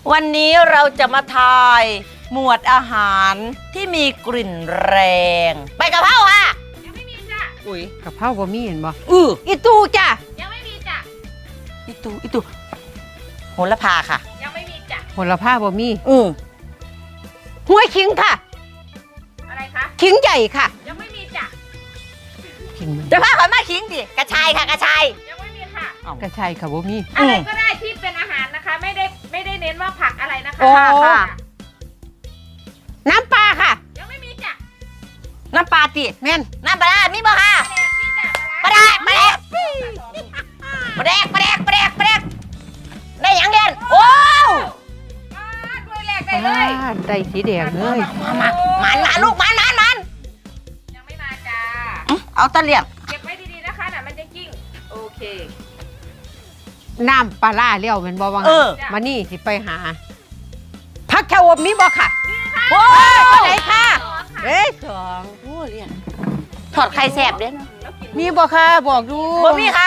วันนี้เราจะมาทายหมวดอาหารที่มีกลิ่นแรงใบกะเพราค่ะยังไม่มีจ้ะอุ้ยกะเพราบ่มีเห็นบ่อีตูจ้ะยังไม่มีจ้ะอีตูโหระพาค่ะยังไม่มีจ้ะโหระพาบ่มีหัวขิงค่ะอะไรคะขิงใหญ่ค่ะยังไม่มีจ้ะขิงมันจะพาเขามาขิงดิกระชายค่ะกระชายยังไม่มีค่ะกระชายค่ะบ่มีอะไรก็ได้ที่เป็นอาหารนะคะไม่ได้เน้นว่าผักอะไรนะคะค่ะน้ำปลาค่ะยังไม่มีจ้ะน้ำปลาติแม่นน้ำปลามีบ่ค่ะมีจ้ะปลาแดกได้ยังเด่นโอ้ด้วยแรกได้เลยได้สีแดงเลยมาลูกมันยังไม่มาจ้าเอาตะเลียบเก็บไว้ดีๆนะคะน่ะมันจะกิ้งโอเคน้ำปลาล่าเลี้ยวเป็นบ่วังมานี่สิไปหาผักชะอมมีบ่ค่ะโอ้ยตัวไหนค่ะสองโอ้เลียนถอดไข่แสบเด้นะมีบ่ค่ะบอกดูบ่มีค่ะ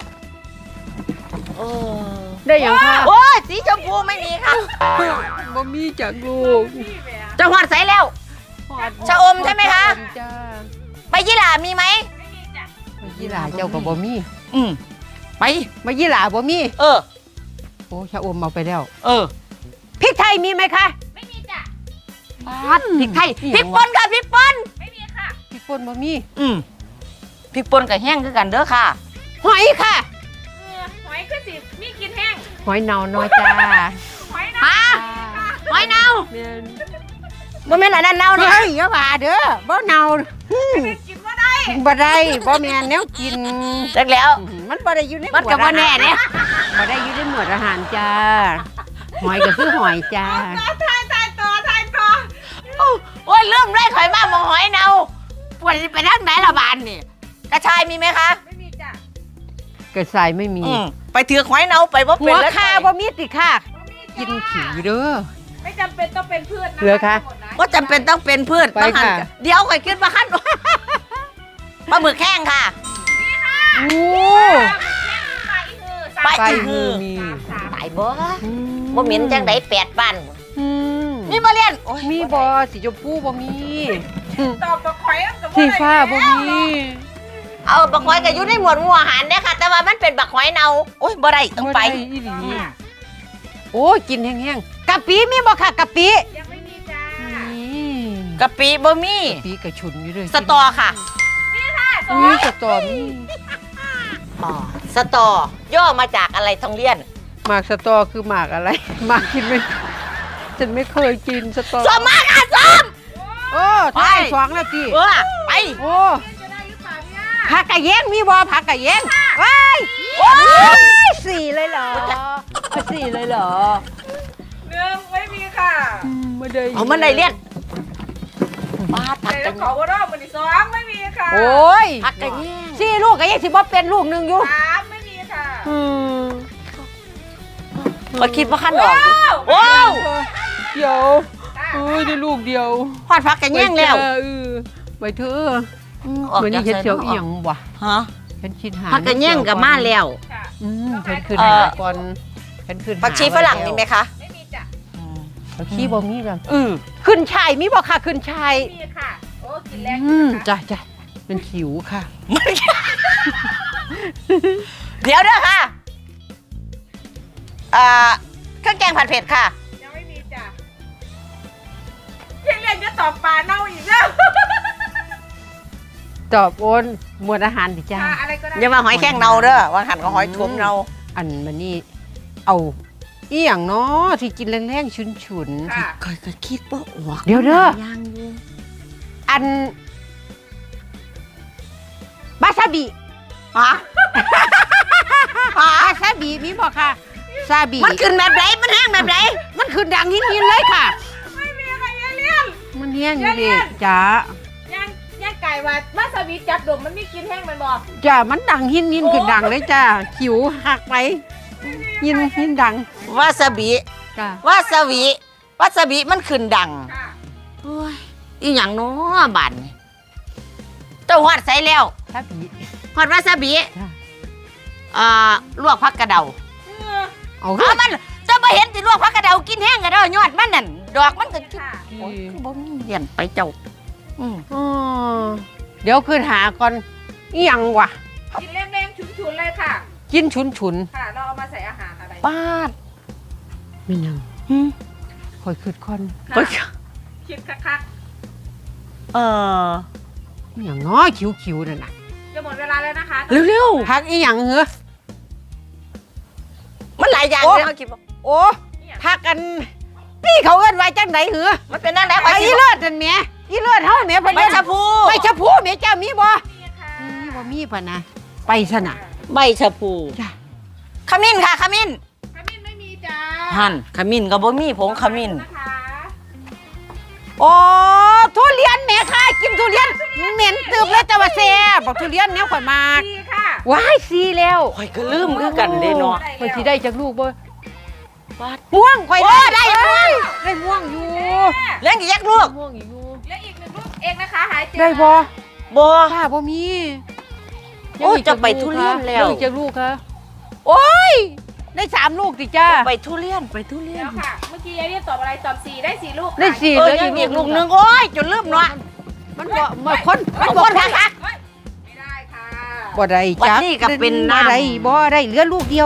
ได้ยังค่ะโอ้ยสีชมพูไม่มีค่ะบ่มีจากลูกจะหอดใส่แล้วชะอมใช่ไหมคะใบยี่หร่ามีไหมไม่มีจ้ะใบยี่หร่าเจ้ากับบ่มีไปใบยี่หร่าบ่มีโอ้ชะอมเอาไปแล้วพริกไทยมีไหมคะไม่มีจ้ะพริกไทยพริกป่นค่ะพริกป่นไม่มีค่ะพริกป่นบ่มีพริกป่นกับแห้งคือกันเด้อค่ะหอยค่ะหอยคือสิมีกินแห้งหอยเนาน้อยจ้าหอยเน่าหอยเน่าบ่แม่นอันนั้นเน่าเฮ้ยอย่าว่าเด้อบ่เน่ากินบ่ได้บ่ได้บ่แม่นแนวกินจักแล้วมันบ่ได้อยู่ในมันก็บ่แน่เนี่ยบ่ได้อยู่ในหมวดอาหารจ้าหอยก็คือหอยจ้าทายต่อโอ้ยเริ่มได้ข่อยมาบ่หอยเน่าปวดไปทางไหนละบานนี่กระชายมีไหมคะไม่มีจ้ะกระชายไม่มีไปถือหอยเน่าไปบ่เป็นแล้วหัวข่าบ่มีติค่ะกินขี้เด้อไม่จำเป็นต้องเป็นพืชนะเหลือคะก็จำเป็นต้องเป็นพืชไปค่ะเดี๋ยวข่อยขึ้นมาขั้นปลาหมึกแห้งค่ะโอ้ไปฮือมีตายบ่เหม็นจังได8บ้านนี่มาเรียนมีบ่สีชมพูบ่มีตอบบักหอยสีฟ้าบ่มีเอาบักหอยก็อยู่ในหมวดหมู่อาหารเด้อค่ะแต่ว่ามันเป็นบักหอยเน่าโอ้ยบ่ได้ต้องไปโอ้ยกินแห้งๆกะปิมีบ่ค่ะกะปิยังไม่มีจ้ากะปิบ่มีกะปิกระชุนอยู่เลยสตอค่ะนี่ค่ะมีสตอมีสตอย่อมาจากอะไรทองเลี่ยนหมากสตอคือหมากอะไรหมากกินไม่ฉันไม่เคยกินสตอส้มมากค่ะส้มใช่2 นาทีไปโอ้จะได้หรือเปล่าเนี่ยผักกะเย้งมีบ่ผักกะเย้งว้าย4เลยเหรอ4เลยเหรอ 1ไม่มีค่ะไม่ได้เอามันได้เลี่ยนป้าผักกะขอว่าร่อมัน2ไม่มีค่ะโอ้ยผักกะเย้ง 4ลูกกะเย้งสิบ่เป็นลูกนึงอยู่ 3ไม่มีค่ะมาคิดว่าขั้นออกโอ้เดี๋ยวได้ลูกเดียวพอดผักกะเย้งแล้วไปเถอะวันนี้เฮ็ดเสียวอีหยังวะฉันคิดหาผักกะเย้งกับมาแล้วฉันขึ้นหาก่อนฉันขึ้นผักชีฝรั่งมีไหมคะไม่มีจ้ะผักชีบ่มีกันขึ้นชายมีบ่ค่ะขึ้นชายมีค่ะโอ้กินแรงจ้ะเป็นขิวค่ะเดี๋ยวเด้อค่ะเครื่องแกงผัดเผ็ดค่ะยังไม่มีจ้ะเพียงเรียนจะตอบปลาเน่าอีกแล้วตอบโอนหมวดอาหารดิจ้าอะไรก็ได้อย่ามาหอยแข้งเน่าเด้อว่าหันก็หอยทุ่มเน่าอันมันนี่เอาอีหยังเนาะที่กินแรงๆฉุนๆก็คิดว่าออกเดี๋ยวเด้ออันบาซาบิบาซาบิมีบ่ค่ะซาบิมันขึ้นแบบไหนมันแห้งแบบไหนมันขึ้นดังหินเลยค่ะไม่มีอะไรเลี่ยนมันแห้งอยู่ดิจ้าย่างไก่ว่ามาสวิตจับดมมันมีกินแห้งมันบอกจ้ามันดังหินขึ้นดังเลยจ้าขิวหักไปหินดังวาซาบิวาซาบิมันขึ้นดังอีหยังเนาะบานนี่เจ้าหอดใส่แล้วหอดวาซาบิลวกผักกระเดาเอามันจะมาเห็นสิลวกผักกระเดากินแน่ะเด้อยอดมันนั่นดอกมันก็ค่ะโอ้ยคือบ่มีเรียนไปเจ้าอืมอ๋อเดี๋ยวคืนหาก่อนอีหยังวะกินแรงๆฉุนๆเลยค่ะกินฉุนค่ะ เราเอามาใส่อาหารอะไรป้าดๆไม่ยังหืมคอยคืดก่อนค่ะโอ้ยคิดคักเอออีหยังน้อคิวๆนั่นน่ะๆจะหมดเวลาแล้วนะคะเร็วพักอีหยังเหรอๆมันหลายอย่างโอ้เลยเฮาคิดว่าโอ้พักกันนี่เขาเอิ้นไว้จังไดเหรอมันเป็นนั่นไหนไอ้อีเลิศนั่นแหม่อีเลิศเฮาแหม่เพิ่นใบชะพูใบชะพูแหม่เจ้ามีบ่นี่ค่ะมีบ่มีปะนะไปซะน่ะใบชะพูจ้ะขมิ้นค่ะขมิ้นขมิ้นไม่มีจ้าหั่นขมิ้นก็บ่มีผงขมิ้นนะคะโอ้ทุเรียนแหม่ค่ะกินทุเรียนเหม็นตึบเลยแต่ว่าแซ่บบอกทุเรียนแนวข่อยมากดีค่ะว้ายซีแล้วข่อยก็ลืมคือกันเด้เนาะข่อยสิได้จากลูกบ่วาดม่วงข่อยโอ้ได้ม่วงได้ม่วงอยู่เลี้ยงกี่ยักษ์ลูกม่วงอยู่และอีกหนึ่งลูกเองนะคะหายเจอได้บ่บ่ค่ะบ่มีโอ้จะไปทุเรียนแล้วยังอีกจากลูกค่ะโอ้ยได้3ลูกติจ้าไปทุเรียนไปทุเรียแล้นวค่ะ เมื่อกี้ยายเรียกตอบอะไรตอบ4ได้4ลูกค่ะได้สี่เออเหลือยังอีอีกกลูลูกกหหนึนึงงโอ้ยจนลืมเนาะมันบ่มาคนเอาคนค่ะค่ะเฮ้ยไม่ได้ค่ะบ่ได้จ้าวันนี้ก็เป็นน้ำบ่ได้บ่ได้เหลือลูกเดียว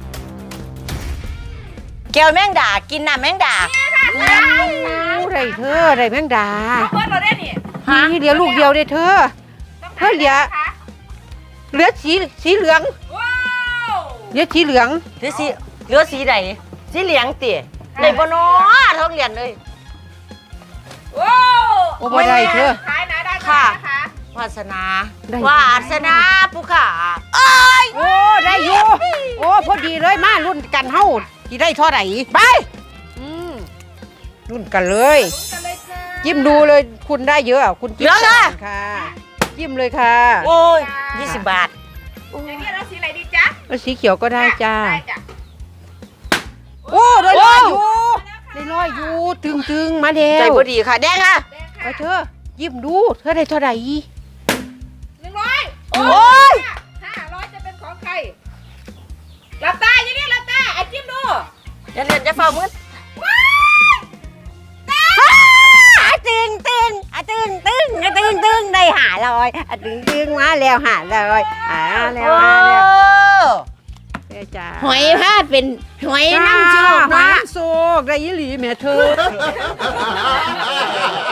แก้วแมงดากินน้ำแมงดาโอ้ได้เธอได้แมงดาเอาเพื่อนเราได้นี่ฮะนี่เหลือลูกเดียวเด้เธอต้องเฮ้ยเหลือนะคะเหลือสีเหลืองว้าวเหลือสีเหลืองหรือสีเหลือสีใดสีเหลืองติได้บ่เนาะท้องเรียนเลยว้าวโอ้บ่ได้เธอขายนะได้ค่ะนะคะวาสนาได้วาสนาผู้ขาโอ้ได้อยู่โอ้พอดีเลยมารุ่นกันเฮาสิได้เท่าไหร่ไปอืมรุ่นกันเลยลุ้นกันเลยจ้าจิ้มดูเลยคุณได้เยอะอ่ะคุณจิ้มเหลือละก่อนค่ะจิ้มเลยค่ะโอ้ย20 บาทอย่างนี้เราสีอะไรดีจ๊ะแล้วสีเขียวก็ได้จ้าได้จ้ะโอ้ได้ร้อยอยู่ได้ร้อยอยู่ตึงๆมาแล้ใจวบ่ดีค่ะแดงค่ะแดงไปค่ะเธอยิ้มดูเธอได้เท่าไหร่ 100 โอ้ย 500จะเป็นของใครหลับตาอย่างนี้หลับตาไอ้จิ้มดูอย่าเรียนจะเฝ้ามือตึงได้500ตึงมาแล้ว500แล้วมาแล้วจ้าหอยผ้าเป็นหอยน้ำโชคหอยเนาะน้ำโชคได้ยี่หลีแม่เธอ